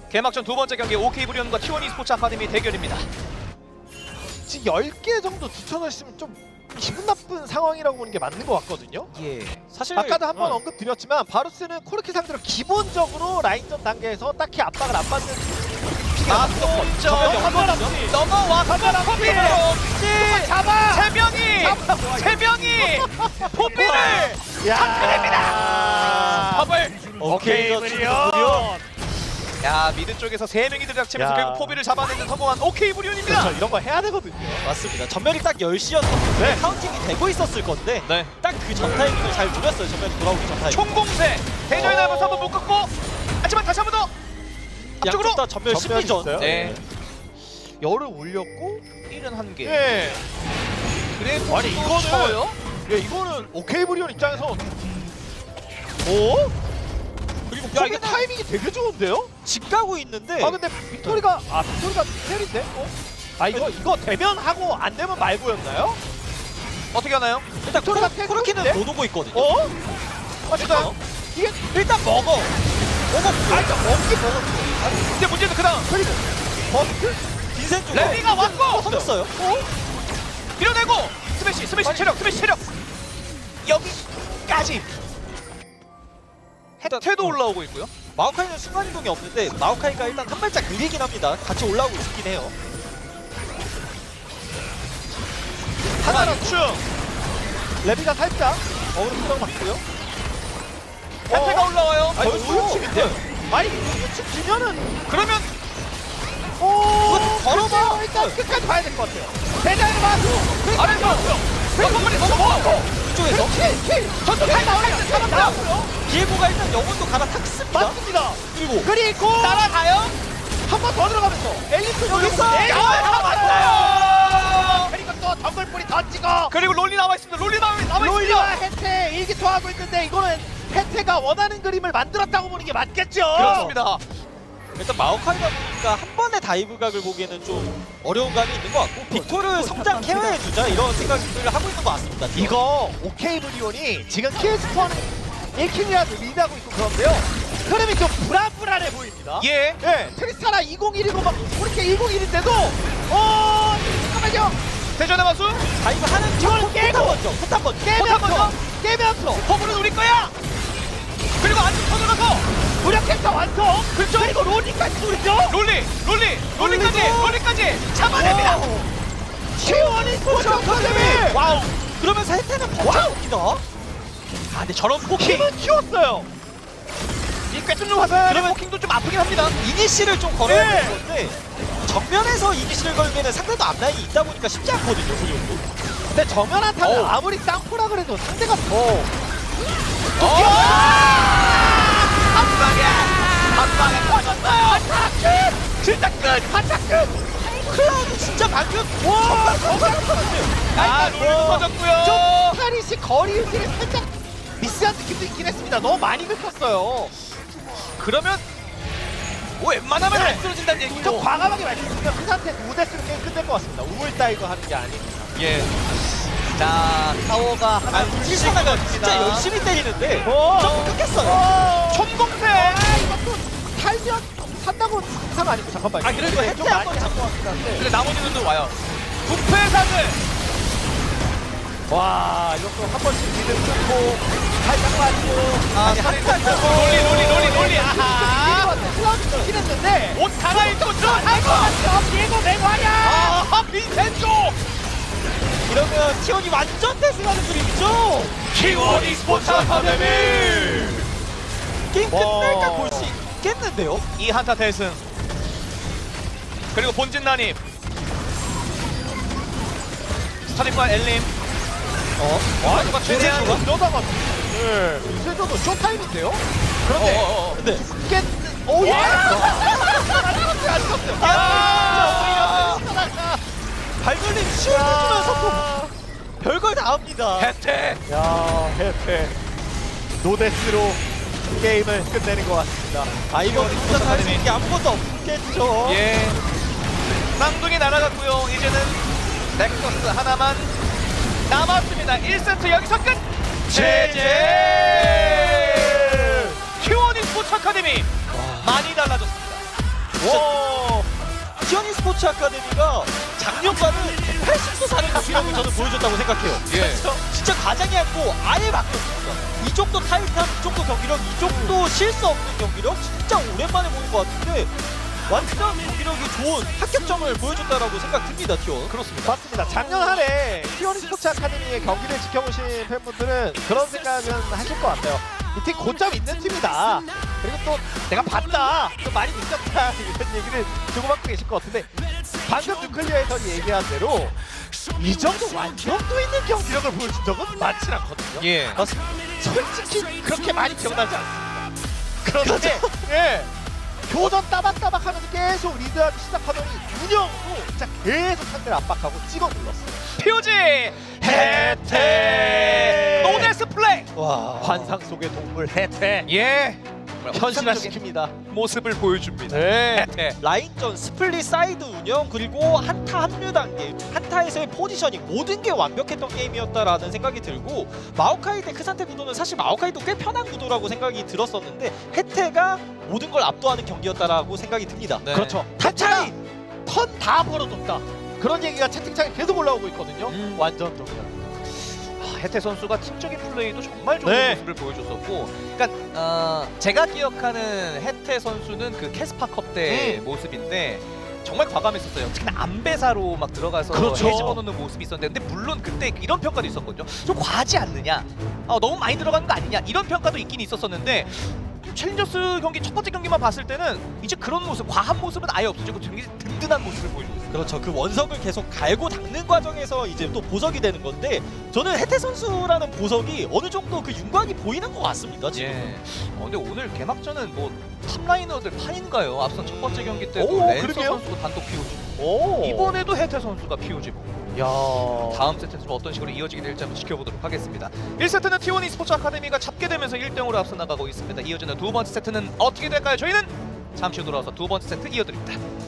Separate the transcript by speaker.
Speaker 1: 개막전 두 번째 경기 OK 브리온과 T1 e스포츠 아카데미 대결입니다.
Speaker 2: 지금 10개 정도 뒤쳐져 있으면 좀 기분 나쁜 상황이라고 보는 게 맞는 것 같거든요.
Speaker 3: 예. 사실
Speaker 2: 아까도 한번 언급드렸지만 바루스는 코르키 상대로 기본적으로 라인전 단계에서 딱히 압박을 안 받는
Speaker 1: 아, 또 넘어와서 포비를
Speaker 2: 잡아!
Speaker 1: 세 명이 포비를
Speaker 2: 야!
Speaker 1: 팝을.
Speaker 3: 오케이 브리온.
Speaker 1: 야, 미드 쪽에서 세 명이 들이닥치면서
Speaker 2: 야.
Speaker 1: 결국 포비를 잡아내는 성공한 OK 브리온입니다.
Speaker 2: 그렇죠. 이런 거 해야 되거든요.
Speaker 3: 맞습니다. 전멸이 딱 10시였었는데
Speaker 2: 네.
Speaker 3: 카운팅이 되고 있었을 건데
Speaker 1: 네.
Speaker 3: 딱 그 전 타이밍을 잘 노렸어요. 전멸이 돌아오기 전 타이밍.
Speaker 1: 총공세 대전에 나면서 한번 못 걷고, 하지만 다시 한번 더 앞쪽으로.
Speaker 3: 양쪽 다 전멸
Speaker 2: 전멸이
Speaker 3: 심리전.
Speaker 2: 있어요.
Speaker 1: 네.
Speaker 2: 열을 올렸고
Speaker 1: 71개.
Speaker 2: 예.
Speaker 1: 그래
Speaker 2: 아니, 이거는- 예, 이거는 오케이 브리온 입장에서 오?
Speaker 3: 그리고
Speaker 2: 야, 이게 타이밍이 되게 좋은데요?
Speaker 3: 집 가고 있는데
Speaker 2: 아 근데 빅토리가 빅토리가 텔인데? 어? 아 이거 되면 하고 안 되면 말고였나요?
Speaker 1: 어떻게 하나요?
Speaker 3: 일단
Speaker 2: 빅토리가
Speaker 3: 코르키는
Speaker 2: 텔인데?
Speaker 3: 못 오고 있거든요.
Speaker 2: 어?
Speaker 1: 맞아요.
Speaker 2: 이게
Speaker 3: 일단 먹어.
Speaker 2: 아 일단 먹긴 먹었어.
Speaker 1: 근데 문제는 그다음
Speaker 2: 그리고 버스?
Speaker 3: 빈센 쪽
Speaker 1: 레디가 왔고
Speaker 3: 터졌어요.
Speaker 1: 밀어내고 스매시 체력 여기까지. 혜태도 올라오고 있고요.
Speaker 3: 마오카이는 순간이동이 없는데 마오카이가 일단 한 발짝 느리긴 합니다. 같이 올라오고 있긴 해요.
Speaker 1: 하나 축.
Speaker 2: 레비가 살짝 어그로 수정 맞고요.
Speaker 1: 혜태가 올라와요.
Speaker 2: 아니
Speaker 3: 벌써?
Speaker 2: 우유칩인데? 아니 우유칩 지면은
Speaker 1: 그러면
Speaker 2: 걸어봐. 일단 끝까지 봐야 될 것 같아요. 대장의 마수.
Speaker 1: 아래서 한번만에 넘어.
Speaker 3: 이쪽에서
Speaker 2: 전투 잘 나오는데 사람 나왔고요.
Speaker 3: 비에고가 일단 영혼도 갈아탔습니다.
Speaker 2: 맞습니다.
Speaker 3: 그리고
Speaker 1: 따라가요.
Speaker 2: 한 번 더 들어가면서 엘리트
Speaker 3: 여기서
Speaker 1: 잡았어요.
Speaker 2: 그리고 또 덩굴뿌리 던지고
Speaker 1: 그리고 롤리 나와 있습니다.
Speaker 2: 롤리와 혜태 일기토하고 있는데 이거는 혜태가 원하는 그림을 만들었다고 보는 게 맞겠죠?
Speaker 1: 그렇습니다.
Speaker 3: 일단 마오카이다 보니까 한 번의 다이브각을 보기에는 좀 어려운 감이 있는 것 같고 빅토를 성장 케어해주자 이런 생각들을 하고 있는 것 같습니다.
Speaker 2: 이거 오케이 브리온이 지금 킬스코어는 1킬이라도 리드하고 있고 그런데요 흐름이 좀 불안불안해 보입니다.
Speaker 1: 예.
Speaker 2: 예, 트리스타나 2011이고 막 그렇게 101인데도 잠깐만요.
Speaker 1: 대전의 마수.
Speaker 3: 다이브 하는
Speaker 2: 이걸 깨고
Speaker 3: 먼저 포탑 먼저
Speaker 2: 깨면서
Speaker 1: 허브는 우리 거야. 그리고 안쪽 터져가서
Speaker 2: 무력했다 완성.
Speaker 1: 그렇죠.
Speaker 2: 그리고 롤링까지 노리죠.
Speaker 1: 롤리까지 잡아냅니다.
Speaker 2: T1 e스포츠 아카데미.
Speaker 3: 와우. 그러면서 혜태는 버텨봅니다.
Speaker 1: 아, 근데 저런 포킹.
Speaker 2: 힘은 키웠어요.
Speaker 1: 이 꿰뚫는 화살의 포킹도 좀 아프긴 합니다.
Speaker 3: 이니시를 좀 걸어야
Speaker 2: 네.
Speaker 3: 되는 건데 정면에서 이니시를 걸기에는 상대도 앞라인이 있다 보니까 쉽지 않거든요. 그 정도.
Speaker 2: 근데 정면 한타는
Speaker 1: 어우.
Speaker 2: 아무리 쌍포라 그래도 상대가 더
Speaker 1: 한 방에 터졌어요.
Speaker 2: 진짜 끝! 한타 끝!
Speaker 3: 클라우드 진짜 방금
Speaker 2: 와!
Speaker 1: 롤리도 터졌고요.
Speaker 2: 파리시 거리 유지를 살짝 미스한 느낌도 있긴 했습니다. 너무 많이 긁혔어요.
Speaker 1: 그러면 웬만하면 안 쓰러진다는
Speaker 2: 좀
Speaker 1: 얘기고.
Speaker 2: 과감하게 말씀드리면 그 상태 5대스로 게임 끝낼 것 같습니다. 우물 따이고 하는 게 아니고.
Speaker 1: 예. 자, 타워가 하나
Speaker 3: 실시나가 진짜 열심히 때리는데
Speaker 2: 오!
Speaker 3: 좀 끊겼어요.
Speaker 1: 총공세.
Speaker 2: 이것도 살면 산다고 이상 아니고 잠깐만요.
Speaker 3: 아, 그래도
Speaker 2: 좀
Speaker 3: 혜태
Speaker 2: 많이
Speaker 3: 한번
Speaker 2: 한것 같긴 한데.
Speaker 1: 근데 나머지는 와요. 부패사들.
Speaker 2: 와, 이것도 한 번씩 미들 끊고 살짝 맞고
Speaker 1: 아니, 롤리. 아하.
Speaker 2: 클라우드 좋긴 했는데
Speaker 1: 옷 갈아입고 쭉.
Speaker 2: 비에고 맹활이야!
Speaker 1: 아, 빈센조.
Speaker 3: 이러면 티원이 완전 대승하는 그림이죠.
Speaker 1: T1 e스포츠 아카데미.
Speaker 3: 게임
Speaker 2: 와.
Speaker 3: 끝날까 볼 수 있겠는데요.
Speaker 1: 이 한타 대승. 그리고 본진 난입. 스타리프와 엘림.
Speaker 2: 와,
Speaker 1: 누가 최대한
Speaker 2: 이러다가 네, 세조도 쇼타임인데요? 그런데
Speaker 3: 근데
Speaker 2: 깼... 오, 예!
Speaker 3: 발걸림 쉬워주면서 또 별걸 다 합니다.
Speaker 1: 혜태.
Speaker 2: 야, 해태 노데스로 게임을 끝내는 것 같습니다.
Speaker 3: 아 이거 혼자 할수 있는 게 아무것도 없겠죠.
Speaker 1: 예. 쌍둥이 날아갔고요. 이제는 넥서스 하나만 남았습니다. 1세트 여기서 끝. 제제. T1 e스포츠 아카데미 많이 달라졌습니다.
Speaker 2: 와.
Speaker 3: 티어니 스포츠 아카데미가 작년과는 80도 다른 경기력을 저는 보여줬다고 생각해요.
Speaker 1: 예.
Speaker 3: 진짜 과장이 않고 아예 바뀌었습니다. 이 정도 타이트함, 이 정도 경기력, 이 정도 실수 없는 경기력 진짜 오랜만에 보는 것 같은데 완전 경기력이 좋은 합격점을 보여줬다라고 생각됩니다. 티원.
Speaker 2: 그렇습니다. 맞습니다. 작년 한 해 티오니 스포츠 아카데미의 경기를 지켜보신 팬분들은 그런 생각은 하실 것 같아요. 이 팀 고점 있는 팀이다. 그리고 또 내가 봤다. 또 많이 느꼈다. 이런 얘기를 주고받고 계실 것 같은데 방금 뉴클리어에서 얘기한 대로 이 정도 완전도 있는 경기력을 보여준 적은 많지 않거든요.
Speaker 1: 예.
Speaker 2: 솔직히 그렇게 많이 기억나지 않습니다. 그런데 예. 교전 따박따박 하면서 계속 리드하기 시작하더니 운영도 진짜 계속 상대를 압박하고 찍어 눌렀어요.
Speaker 1: POG 혜택 노데스 플레이.
Speaker 3: 와.
Speaker 2: 환상 속의 동물 혜택
Speaker 1: 예.
Speaker 2: 현실화시킵니다.
Speaker 1: 모습을 보여줍니다.
Speaker 2: 네.
Speaker 1: 혜택.
Speaker 3: 라인전, 스플릿 사이드 운영, 그리고 한타 합류 단계, 한타에서의 포지셔닝 모든 게 완벽했던 게임이었다라는 생각이 들고 마오카이 대 크산테 구도는 사실 마오카이도 꽤 편한 구도라고 생각이 들었었는데 혜태가 모든 걸 압도하는 경기였다라고 생각이 듭니다.
Speaker 1: 네.
Speaker 2: 그렇죠.
Speaker 3: 탑차이!
Speaker 2: 턴 다 벌어줬다. 그런 얘기가 채팅창에 계속 올라오고 있거든요. 완전적이다.
Speaker 1: 혜태 선수가 팀적인 플레이도 정말 좋은
Speaker 2: 네.
Speaker 1: 모습을 보여줬었고, 그러니까 제가 기억하는 혜태 선수는 그 캐스파컵 때 모습인데 정말 과감했었어요. 특히나 안배사로 막 들어가서
Speaker 2: 그렇죠.
Speaker 1: 해집어놓는 모습이 있었는데, 근데 물론 그때 이런 평가도 있었거든요. 좀 과하지 않느냐, 너무 많이 들어가는 거 아니냐, 이런 평가도 있긴 있었었는데 챌린저스 경기 첫 번째 경기만 봤을 때는 이제 그런 모습, 과한 모습은 아예 없어지고 되게 든든한 모습을 보여주고 있어요.
Speaker 3: 그렇죠. 그 원석을 계속 갈고 닦는 과정에서 이제 또 보석이 되는 건데 저는 혜태 선수라는 보석이 어느 정도 그 윤곽이 보이는 것 같습니다. 지금.
Speaker 1: 예. 근데 오늘 개막전은 뭐 탑라이너들 판인가요? 앞선 첫 번째 경기 때도
Speaker 2: 오,
Speaker 1: 랜서
Speaker 2: 그러게요.
Speaker 1: 선수가 단독 POG,
Speaker 2: 오.
Speaker 1: 이번에도 혜태 선수가 POG고,
Speaker 2: 야.
Speaker 1: 다음 세트에서 좀 어떤 식으로 이어지게 될지 한번 지켜보도록 하겠습니다. 1세트는 T1 e스포츠 아카데미가 잡게 되면서 1대0으로 앞서 나가고 있습니다. 이어지는 두 번째 세트는 어떻게 될까요? 저희는 잠시 후 돌아와서 두 번째 세트 이어드립니다.